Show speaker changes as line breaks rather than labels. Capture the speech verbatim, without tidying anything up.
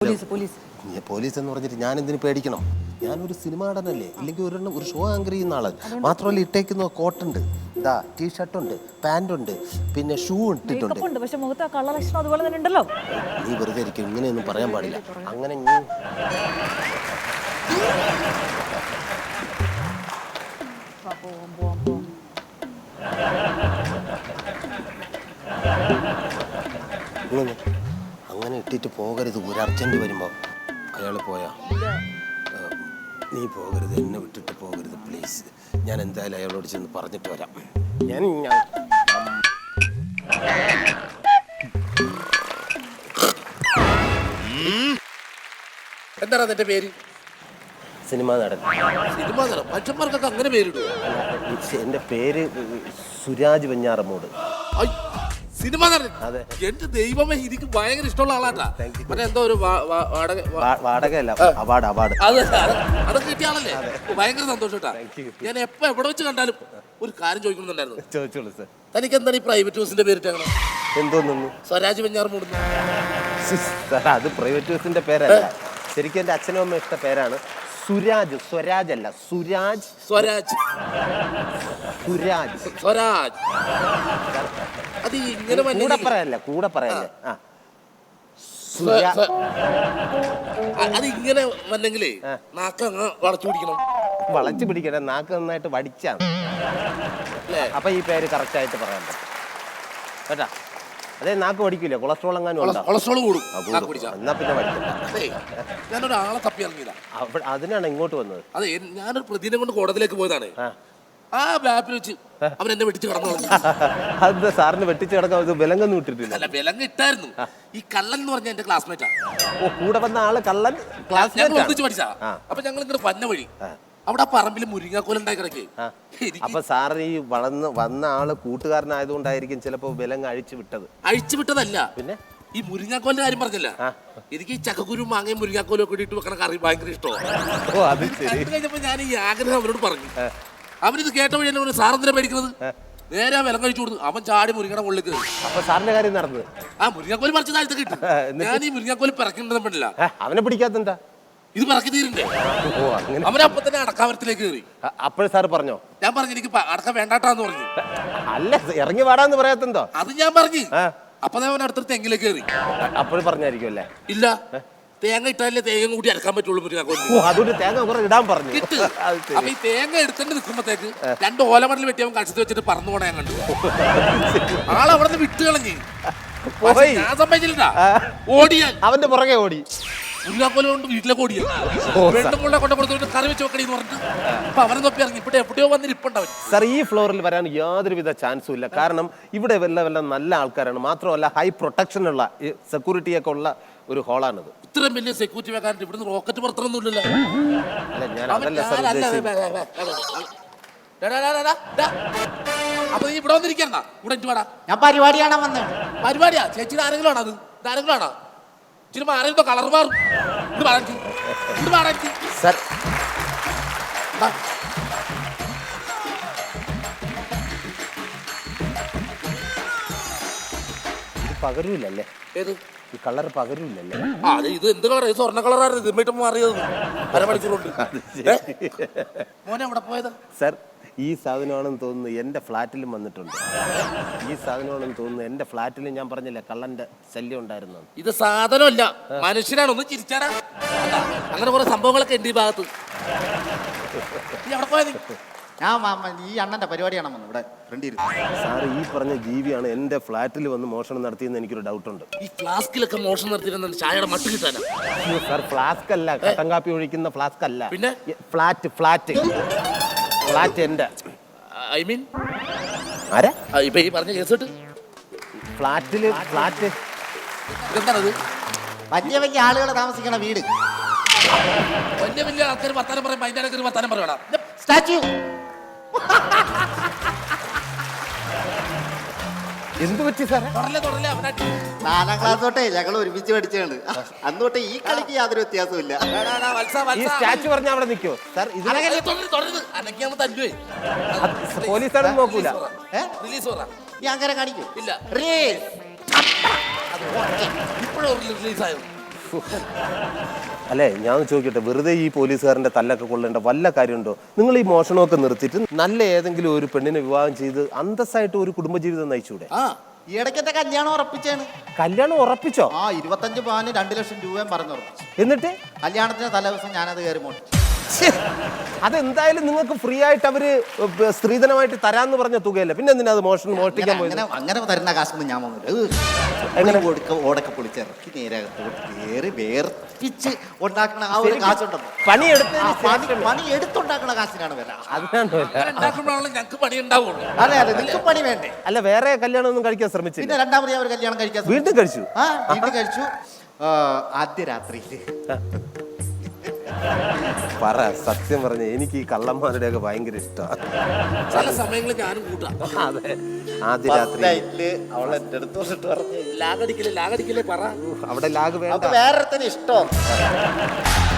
Police എന്ന് പറഞ്ഞിട്ട് ഞാൻ എന്തിനു പേടിക്കണം? ഞാനൊരു സിനിമ നടനല്ലേ, ഇല്ലെങ്കിൽ ഒരെണ്ണം ഒരു ഷോ ആങ്കർ ചെയ്യുന്ന ആളാണ്. മാത്രമല്ല ഇട്ടേക്കുന്ന കോട്ടുണ്ട്, ഇതാ ടീഷർട്ടുണ്ട്, പാൻറ്റുണ്ട്, പിന്നെ ഷൂ ഇട്ടിട്ടുണ്ട്. നീ വെറുതെ ഇരിക്കും, ഇങ്ങനെയൊന്നും പറയാൻ പാടില്ല. അങ്ങനെ അങ്ങനെ ഇട്ടിട്ട് പോകരുത്. ഒരു അർജന്റ് വരുമ്പോ അയാൾ പോയാ നീ പോകരുത്, എന്നെ വിട്ടിട്ട് പോകരുത് പ്ലീസ്. ഞാൻ എന്തായാലും അയാളോട് ചെന്ന് പറഞ്ഞിട്ട് വരാം. ഞാൻ
എന്താണ് അതിന്റെ പേര്?
സിനിമ നടൻ.
സിനിമ നടൻ മനുഷ്യന്മാർക്കൊക്കെ അങ്ങനെ പേരിടും.
എന്റെ പേര് സുരാജ് വെഞ്ഞാറമൂട്.
സിനിമ നടൻ. എന്റെ ദൈവമേ, എനിക്ക് ഭയങ്കര ഇഷ്ടമുള്ള ആളാട്ടാ. മറ്റേ എന്തോ ഒരു
വാടകയല്ല, അവാർഡ് അവാർഡ്
അത് അത് കിട്ടിയ ആളല്ലേ? ഭയങ്കര സന്തോഷം കേട്ടാ. ഞാൻ എപ്പോ എവിടെ വെച്ച് കണ്ടാലും ഒരു കാര്യം ചോദിക്കണമെന്നുണ്ടായിരുന്നു.
ചോദിച്ചോളൂ സാർ.
തനിക്ക് എന്താണ് ഈ പ്രൈവറ്റ് ബസ്സിന്റെ പേരിട്ടാണ്?
എന്തോന്നു?
സ്വരാജ് വെഞ്ഞാറമൂട്.
അത് പ്രൈവറ്റ് ബസ്സിന്റെ പേരല്ല, ശരിക്കും എന്റെ അച്ഛനും അമ്മ ഇഷ്ട പേരാണ്. സുരാജ്. സ്വരാജ് അല്ല, സുരാജ്.
സ്വരാജ്
സുരാജ്
സ്വരാജ് അത് ഇങ്ങനെ
കൂടെ പറയല്ല, കൂടെ പറയല്ലേ.
അത് ഇങ്ങനെ വന്നെങ്കിലേ നാക്ക് അങ്ങ് വളച്ചു പിടിക്കണം.
വളച്ചു പിടിക്കട്ടെ, നാക്ക് നന്നായിട്ട് വടിച്ചാണ്. അപ്പൊ ഈ പേര് കറക്റ്റ് ആയിട്ട് പറയാൻ പറ്റും കേട്ടാ. അതെ, നാക്ക് പഠിക്കില്ല, കൊളസ്ട്രോൾ എങ്ങാനും
കൊളസ്ട്രോൾ കൂടും.
എന്നാ പിന്നെ പഠിക്കണ്ട.
ഞാനൊരാളെ തപ്പി ഇറങ്ങിയതാ,
അതിനാണ് ഇങ്ങോട്ട് വന്നത്.
അതെ, ഞാനൊരു പ്രതിനെ കൊണ്ട് കോടതിയിലേക്ക് പോയതാണ്. ആ ബാപ്പിൽ വെച്ച് അവൻ എന്നെ വെട്ടിച്ച് കടന്നു.
അത് സാറിന് വെട്ടിച്ച് കിടക്കാൻ വിലങ്ങൊന്നും ഇട്ടിട്ടില്ല.
അല്ല, വിലങ്ങ് ഇട്ടായിരുന്നു. ഈ കള്ളൻ എന്ന് പറഞ്ഞ എന്റെ ക്ലാസ്മേറ്റാ.
ഓ, കൂടെ വന്ന ആള് കള്ളൻ ക്ലാസ്മേറ്റ്
ഒന്നിച്ച് പഠിച്ചാ. അപ്പൊ ഞങ്ങൾ ഇങ്ങനെ പന്ന വഴി അവിടെ ആ പറമ്പിൽ മുരിങ്ങാക്കോലുണ്ടായി കിടക്കേ.
അപ്പൊ സാറ് ഈ വളർന്ന് വന്ന ആള് കൂട്ടുകാരനായതുകൊണ്ടായിരിക്കും ചിലപ്പോ വിലങ്ങ് അഴിച്ചു വിട്ടത്.
അഴിച്ചു വിട്ടതല്ല,
പിന്നെ
ഈ മുരിങ്ങാക്കോലിന്റെ കാര്യം പറഞ്ഞില്ല. എനിക്ക് ഈ ചക്കക്കുരു മാങ്ങയും മുരിങ്ങാക്കോലും ഒക്കെ ഇട്ട് വെക്കണ കറി ഭയങ്കര ഇഷ്ടമാണ്. കഴിഞ്ഞപ്പോ ഞാൻ ഈ ആഗ്രഹം അവനോട് പറഞ്ഞു. അവനിത് കേട്ട വഴി എന്നെ സാറെന്തിനാ പേടിക്കുന്നത്? നേരെ ആ വിലം കഴിച്ചു കൊടുത്തു. അവൻ ചാടി മുരിങ്ങയുടെ മുകളിൽ കയറി.
അപ്പൊ സാറിന്റെ കാര്യം നടന്നത്?
ആ മുരിങ്ങാക്കോല് പറിച്ച താഴത്ത് കിട്ടും. ഞാൻ ഈ മുരിങ്ങാക്കോല് പിറക്കിണ്ടെന്ന് പറ്റില്ല.
അവനെ പിടിക്കാത്തെന്താ?
ഇത് പിറക്കി തീരണ്ടേ? അവനപ്പൊ തന്നെ അടക്കാവരത്തിലേക്ക് കയറി.
അപ്പോഴും സാറ് പറഞ്ഞോ?
ഞാൻ പറഞ്ഞു എനിക്ക് അടക്ക വേണ്ടാട്ടാന്ന് പറഞ്ഞു.
അല്ല, ഇറങ്ങി വാടാന്ന് പറയാത്തെന്തോ?
അത് ഞാൻ പറഞ്ഞു. അപ്പൊ അവൻ അടുത്തൊരു തെങ്ങിലേക്ക് കയറി.
അപ്പോഴും പറഞ്ഞായിരിക്കും അല്ലേ?
ഇല്ല, തേങ്ങ ഇട്ടാലേ തേങ്ങ കൂടി അടക്കാൻ പറ്റുള്ളൂ.
അതുകൊണ്ട് തേങ്ങ കുറെ ഇടാൻ പറഞ്ഞു.
അപ്പൊ ഈ തേങ്ങ എടുത്തിട്ട് നിൽക്കുമ്പോഴത്തേക്ക് രണ്ട് ഓലമടൽ വെട്ടി അവൻ കടിച്ചു വെച്ചിട്ട് പറന്നു പോണേ ഞാൻ കണ്ടു. ആളവിടെ നിന്ന് വിട്ട് കളഞ്ഞ് ഞാൻ സമ്മതിച്ചില്ല. ഓടിയാൽ
അവന്റെ പുറകെ ഓടി
ഉരുളാക്കോല കൊണ്ട് വീട്ടിലേക്ക് ഓടിയാൽ വെണ്ടുമുള്ള കൊണ്ട് കൊടുത്തിട്ട് കറി വെച്ച് വെക്കണേന്ന് പറഞ്ഞിട്ട് അപ്പൊ അവനെ തൊപ്പി ഇറങ്ങി. ഇവിടെ എവിടെയോ വന്നിട്ട് ഇപ്പുണ്ടാവും.
സാർ, ഈ ഫ്ലോറിൽ വരാൻ യാതൊരുവിധ ചാൻസും ഇല്ല. കാരണം ഇവിടെ വല്ല വല്ല നല്ല ആൾക്കാരാണ്. മാത്രമല്ല ഹൈ പ്രൊട്ടക്ഷൻ ഉള്ള സെക്യൂരിറ്റി ഒക്കെ ഉള്ള ഒരു ഹോളാണിത്.
ഇത്രയും വലിയ സെക്യൂരിറ്റി വെക്കാനായിട്ട് ഇവിടുന്ന് റോക്കറ്റ് പുറത്തൊന്നുമില്ലല്ലോ. അപ്പൊ നീ ഇവിടെ വന്നിരിക്കണ്ട, ഇവിടെ എനിക്ക് വേടാ.
ഞാൻ പരിപാടിയാണ് വന്നത്.
പരിപാടിയാ? ചേച്ചിയുടെ ആരെങ്കിലും ആണോ? അത് ആരെങ്കിലും ആണോ? ഇച്ചിരി മാറിയോ കളർ മാറും. ഇത് മാറാറ്റി ഇത് മാറാറ്റി
സാർ. പകരൂലല്ലേ?
ഏത്
ഈ കളർ പകരൂലല്ലേ?
ആ, ഇത് എന്ത് കളർ? സ്വർണ്ണ കളറാണ്. ഇതിട്ട് മാറിയത് അരമണിക്കൂറുണ്ട്. മോനെ എവിടെ പോയത്?
സാർ, ഈ സാധനമാണെന്ന് തോന്നുന്നു എൻ്റെ ഫ്ലാറ്റിലും വന്നിട്ടുണ്ട്. ഈ സാധനമാണെന്ന് തോന്നുന്നു എൻ്റെ ഫ്ലാറ്റിലും. ഞാൻ പറഞ്ഞില്ലേ കള്ളന്റെ ശല്യം ഉണ്ടായിരുന്നു.
ഇത് സാധനമല്ല, മനുഷ്യനാണ്. ഒന്ന് ചിരിച്ചാടാ. അങ്ങനെ കുറെ സംഭവങ്ങളൊക്കെ ഉണ്ട് ഈ ഭാഗത്ത്. എവിടെ പോയത്?
ഞാൻ ഈ അണ്ണന്റെ പരിപാടിയാണ് വന്നത്. ഇവിടെ ഫ്രണ്ട്
സാർ, ഈ പറഞ്ഞ ജീവിയാണ് എൻ്റെ ഫ്ലാറ്റിൽ വന്ന് മോഷണം നടത്തിയെന്ന് എനിക്കൊരു ഡൗട്ടുണ്ട്.
ഈ ഫ്ലാസ്കിലൊക്കെ മോഷണം നടത്തിയിരുന്ന ചായയുടെ മട്ട് കിട്ടാനാ?
സാർ, ഫ്ലാസ്ക് അല്ല, കട്ടൻ കാപ്പി ഒഴിക്കുന്ന ഫ്ലാസ്ക് അല്ല.
പിന്നെ
ഫ്ലാറ്റ് ഫ്ലാറ്റ് ഫ്ലാറ്റ് എൻ്റെ.
ഐ മീൻ
ആരാ
ഇപ്പൊ ഈ പറഞ്ഞ കേസ് കിട്ട്?
ഫ്ലാറ്റില് ഫ്ലാറ്റ്
എന്താണത്?
വലിയ വലിയ ആളുകൾ താമസിക്കണ വീട്.
വലിയ വലിയ ആൾക്കാർ വർത്താനം പറയും. അതിന്റെ ഇടയ്ക്ക് വർത്താനം പറയണ
സ്റ്റാച്യു.
എന്ത് പറ്റി സാറേ?
നാലാം ക്ലാസ് തൊട്ടേ ഞങ്ങൾ ഒരുമിച്ച് പഠിച്ചാണ്. അന്ന് തൊട്ടേ ഈ കളിക്ക് യാതൊരു വ്യത്യാസവും ഇല്ല.
ഈ സ്റ്റാച്യു പറഞ്ഞ അവിടെ നിൽക്കോ സാർ? പോലീസാണ് നോക്കൂല.
ഈ അങ്ങനെ കാണിക്കൂ.
ഇല്ല,
റേസ്
ഇപ്പോഴും റിലീസായത്.
അല്ലേ ഞാൻ ചോദിക്കട്ടെ, വെറുതെ ഈ പോലീസുകാരൻ്റെ തല്ലൊക്കെ കൊള്ളേണ്ട വല്ല കാര്യമുണ്ടോ? നിങ്ങൾ ഈ മോഷണമൊക്കെ നിർത്തിയിട്ട് നല്ല ഏതെങ്കിലും ഒരു പെണ്ണിനെ വിവാഹം ചെയ്ത് അന്തസ്സായിട്ട് ഒരു കുടുംബജീവിതം നയിച്ചൂടെ?
ആ ഈ ഇടയ്ക്കത്തെ കല്യാണം ഉറപ്പിച്ചാണ്.
കല്യാണം ഉറപ്പിച്ചോ?
ആ ഇരുപത്തഞ്ച് പവന് രണ്ട് ലക്ഷം രൂപയും പറഞ്ഞു ഉറപ്പിച്ചു.
എന്നിട്ട്
കല്യാണത്തിന് തലേദിവസം ഞാനത് കയറി മോട്ടിച്ചു.
ഛെ, അതെന്തായാലും നിങ്ങൾക്ക് ഫ്രീ ആയിട്ട് അവര് സ്ത്രീധനമായിട്ട് തരാന്ന് പറഞ്ഞ തുകയല്ല, പിന്നെ എന്തിനാ അത് മോഷണം മോഷ്ടിക്കാൻ പോയത്?
അങ്ങനെ അങ്ങനെ തരുന്ന കാശൊന്നും ഞാൻ വന്നില്ല. എങ്ങനെ കൊടുക്ക ഓടൊക്കെ പൊളിച്ചിറക്കി നേരകത്ത് കയറി വേർപ്പിച്ച് ഉണ്ടാക്കുന്ന ആ ഒരു കാശുണ്ടല്ലോ,
പണിയെടുത്ത്
പണി പണി എടുത്തുണ്ടാക്കുന്ന കാശിനാണ് വില.
അതിനാണ് വില.
ഉണ്ടാക്കുമ്പോഴാണല്ലോ ഞങ്ങൾക്ക് പണി ഉണ്ടാവുള്ളൂ.
അതെ അതെ, നിങ്ങൾക്ക് പണി വേണ്ടേ?
അല്ല, വേറെ കല്യാണം ഒന്നും കഴിക്കാൻ ശ്രമിച്ചില്ല?
പിന്നെ രണ്ടാമത് ഞാൻ ഒരു കല്യാണം കഴിക്കാൻ ശ്രമിച്ചു.
വീണ്ടും കഴിച്ചു?
ആ വീണ്ടും കഴിച്ചു. ആ, ആദ്യ രാത്രിയില്
പറ, സത്യം പറഞ്ഞ എനിക്ക് ഈ കള്ളന്മാരുടെ ഒക്കെ ഭയങ്കര ഇഷ്ടമാണ്.
ചില സമയങ്ങളിൽ ഞാനും കൂട്ടാം.
അതെ, ആദ്യ രാത്രി
നൈറ്റില് അവൾ എന്റെ അടുത്ത് വന്നിട്ട് പറഞ്ഞു,
ലാഗടിക്കലേ ലാഗടിക്കലേ പറ.
അവിടെ ലാഗ് വേണ്ട.
വേറെ ഇഷ്ടം